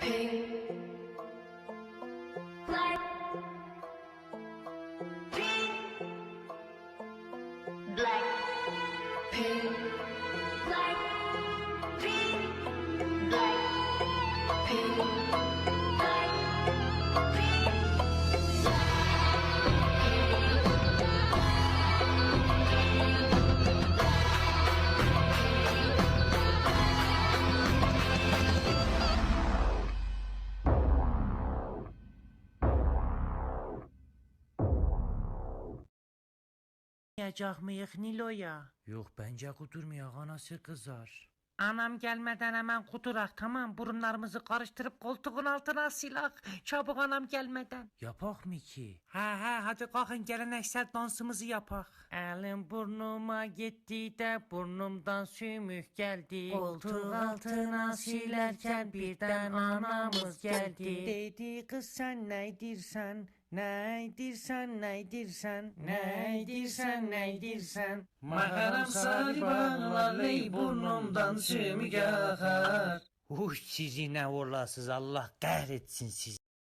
pink, black, pink, black, pink, black, pink, black, pink, black, pink. Yiyecek miyik Nilo'ya? Yok bence kudurmuyor, anası kızar. Anam gelmeden hemen kudurak, tamam, burunlarımızı karıştırıp koltuğun altına silak. Çabuk anam gelmeden. Yapak mı ki? He hadi kalkın geleneksel dansımızı yapak. Elim burnuma gitti de burnumdan sümük geldi. Koltuğun altına silerken birden anamız geldi. Dedi kız sen neydirsen? Neydirsen neydirsen? Neydirsen neydirsen? Makaram sarı bağlarley burnumdan sümük akar. Sizi ne olasız, Allah kahretsin sizi.